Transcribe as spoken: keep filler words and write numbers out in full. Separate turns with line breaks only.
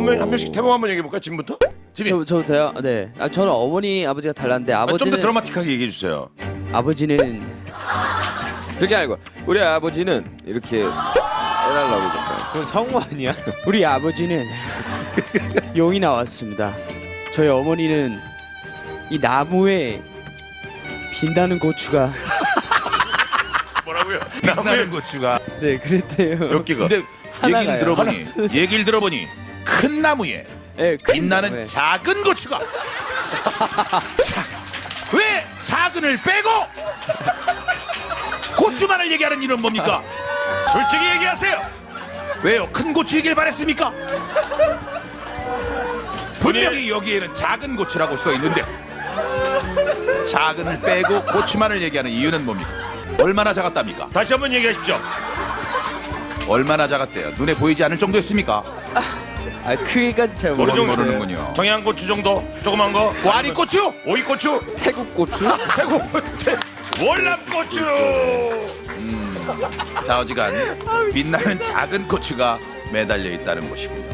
한 명 한 명씩 태봉 한번 얘기해 볼까 지금부터?
저 저부터요? 네. 아, 저는 어머니 아버지가 달랐는데
아,
아버지는
좀 더 드라마틱하게 얘기해 주세요.
아버지는
그렇게 아니고 우리 아버지는 이렇게 해달라고 그러니까.
그건 성우 아니야?
우리 아버지는 용이 나왔습니다. 저희 어머니는 이 나무에 빛나는 고추가
뭐라고요?
빛나는 고추가.
네 그랬대요.
몇 개가?
근데
하나가요.
얘기를 들어보니 얘기를 들어보니 큰 나무에
네, 큰
빛나는
나무에.
작은 고추가. 자, 왜 작은을 빼고 고추만을 얘기하는 이유는 뭡니까?
솔직히 얘기하세요.
왜요? 큰 고추이길 바랬습니까? 분명히 여기에는 작은 고추라고 써 있는데 작은을 빼고 고추만을 얘기하는 이유는 뭡니까? 얼마나 작았답니까?
다시 한번 얘기하십시오.
얼마나 작았대요? 눈에 보이지 않을 정도였습니까?
아 크기까지 잘
그건
모르겠어요.
모르는군요.
청양고추 정도 조그만 거.
와리고추?
오이고추.
태국 고추?
태국 월남고추.
자, 어지간 빛나는 작은 고추가 매달려 있다는 것이군요.